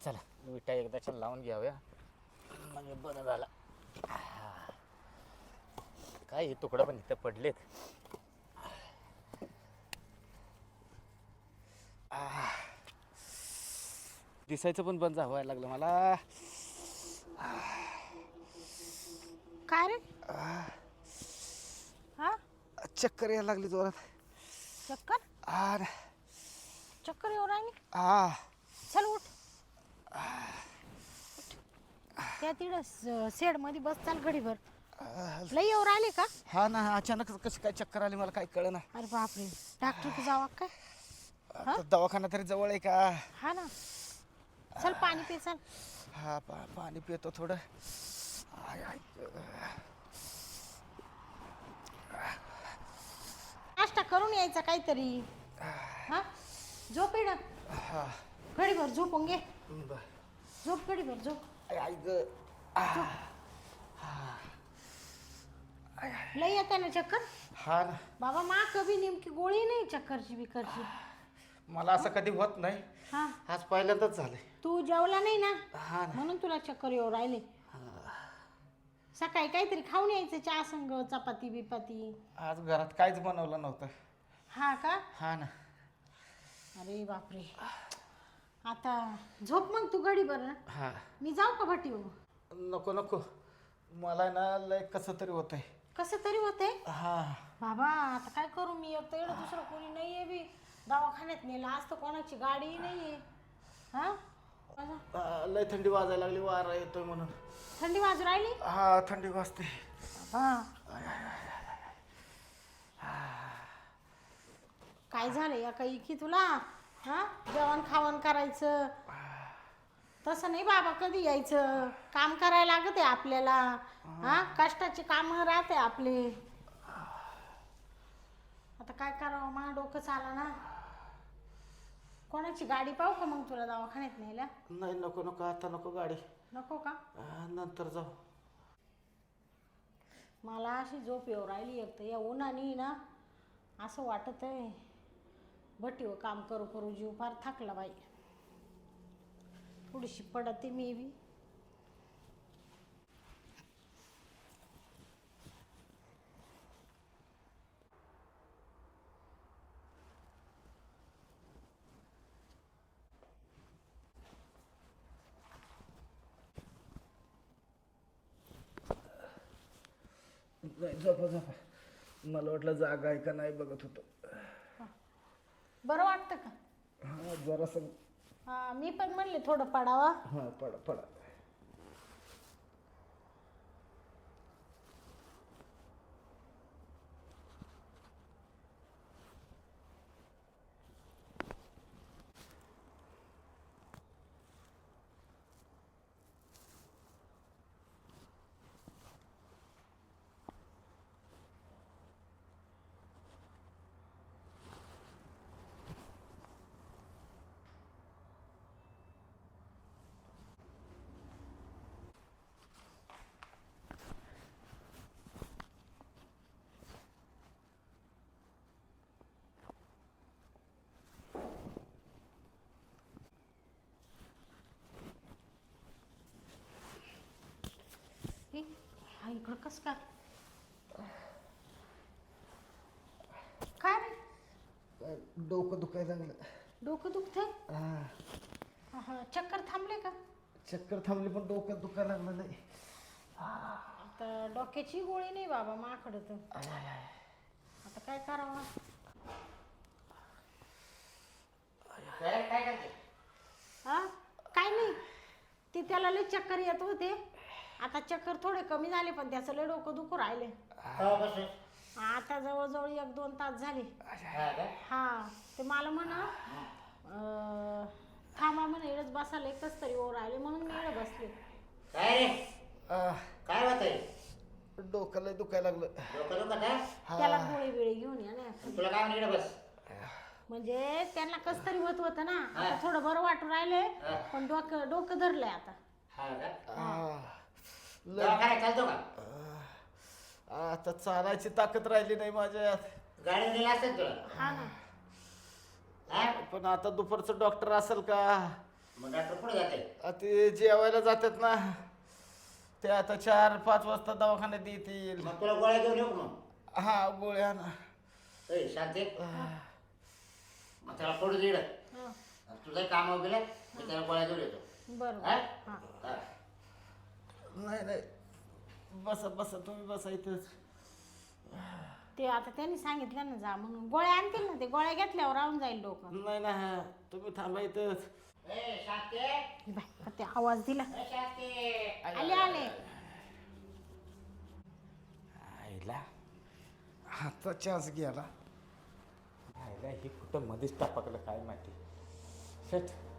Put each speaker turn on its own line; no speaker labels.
चला विटा एकदाच्या लावून घ्याव्या म्हणजे बरं झालं. काय हे तुकडं पण इथं पडलेत. दिसायचं पण बंद व्हायला लागलं मला.
काय रे? हा,
चक्कर यायला लागली जोरात.
चक्कर चक्कर येऊ राहिली. चल उठ. त्या तिकडं शेड मध्ये बस, चाल घडीभर. लई येऊ राहिले का?
हा ना, अचानक कसं काय चक्कर आली मला काय कळना.
अरे बापरे, डॉक्टर जावा काय?
दवाखाना तरी जवळ आहे का?
हा ना, चल पाणी पे चल.
हा पाणी पितो थोडं.
नाश्ता करून यायचा काहीतरी. हा, झोप इड घडीभर, झोपून घे. झोप घडीभर, झोप. लई येते ना चक्कर?
हा ना
बाबा, मा कभी नेमकी गोळी नाही चक्करची बिकरची.
मला असं कधी होत नाही.
हा,
आज पहिल्यांदाच झालंय.
तू जेवला नाही ना
हा ना.
म्हणून तुला चक्कर येऊ राहिले. सकाळी काहीतरी खाऊन यायचं, चहा संग, चपाती बिपाती.
आज घरात काहीच बनवलं नव्हतं.
हा का?
हा ना.
अरे बापरे, आता झोप मग तू घडी बरं.
हा,
मी जाऊ का भटी?
नको नको, मला ना लय कसं तरी होत आहे.
कसं तरी होते
हा
बाबा. आता काय करू मी? एक तर एवढं दुसरं कोणी नाहीये बी. दवाखान्यात नेलं आज तर कोणाची गाडी नाहीये. हा,
लय थंडी वाजायला लागली, वारा येतोय म्हणून.
थंडी वाजू राहिली?
हा, थंडी वाजते.
हा, काय झालं या काही की तुला? हा, जेवण खावण करायचं तसं नाही बाबा. कधी यायचं? काम करायला लागत आहे आपल्याला. हा, कष्टाचे काम राहते आपले. आता काय करावं, मला डोकं चाला ना. कोणाची गाडी पाहू का मग तुला दवाखान्यात न्यायला?
नाही नको नको, आता नको गाडी.
नको का?
नंतर जाऊ.
मला अशी झोप येऊ राहिली. एक तर या उन्हाने ना असं वाटत आहे भटीवर काम करू करू जीव फार थकला बाई. थोडीशी पडते मी बी.
झोपा झोपा. मला वाटलं जागा आहे का नाही बघत होतो.
बरं वाटतं का?
हा, जरासं.
हा, मी पण म्हणले थोडं पडावा.
हा, पडा पडा.
हा, इकडं कस काय? काय रे?
डोकं दुखायला लागलं.
डोकं दुखतंय?
हा,
हा, चक्कर थांबले का?
चक्कर थांबली पण डोक्यात दुखायला लागलं नाही.
आता डोक्याची गोळी नाही बाबा माकडं तर. आता काय करावं? हा, काय नाही. ते त्याला लय चक्कर येत होते. आता चक्कर थोडे कमी झाले पण त्याचं लय डोकं दुखू राहिले. आता जवळजवळ 1-2 तास झाले. हा, ते मला म्हणा थांबा म्हणे, इडच बसायला एकच तरी ओर राहिले म्हणून मी इकडे बसले.
काय होत आहे?
डोकं लय दुखायला लागलं.
त्याला गोळी बिळी घेऊन या ना.
तुला काय म्हणलं इकडे बस?
म्हणजे त्यांना कस तरी होतं ना. आता थोडं बरं वाटू राहिले पण डोकं धरलंय आता.
दवाखान्यात चालतो का?
आता चालायची ताकद राहिली नाही माझ्यात.
गाडी नेला असेल तुला.
हा ना.
हा?
पण आता दुपारचं डॉक्टर असेल का?
मग डॉक्टर पुढे जाते.
ते जेवायला जातात ना, ते आता 4-5 वाजता दवाखान्यात येतील.
मग तुला गोळ्या घेऊन येऊ का मग?
हा गोळ्या ना.
ए शांती, मग त्याला पडू दे इकडं.
हा,
तुझं काम वगैरे मी त्याला गोळ्या घेऊन येतो.
बरं
हा?
हा.
हा.
नाही नाही, बसा बसा, तुम्ही बसा इथंच.
ते आता त्यांनी सांगितलं ना जा म्हणून, गोळ्या आणतील ना, ते गोळ्या घेतल्यावर राहून जाईल डोकं.
नाही ना, तुम्ही थांबा इथंच.
ए शांती,
हे बाय, ते आवाज दिला.
ए शांती.
आले आले.
आईला हातचा चान्स गेला. आईला हे कुठं मध्येच टापकलं काय माहिती. शेट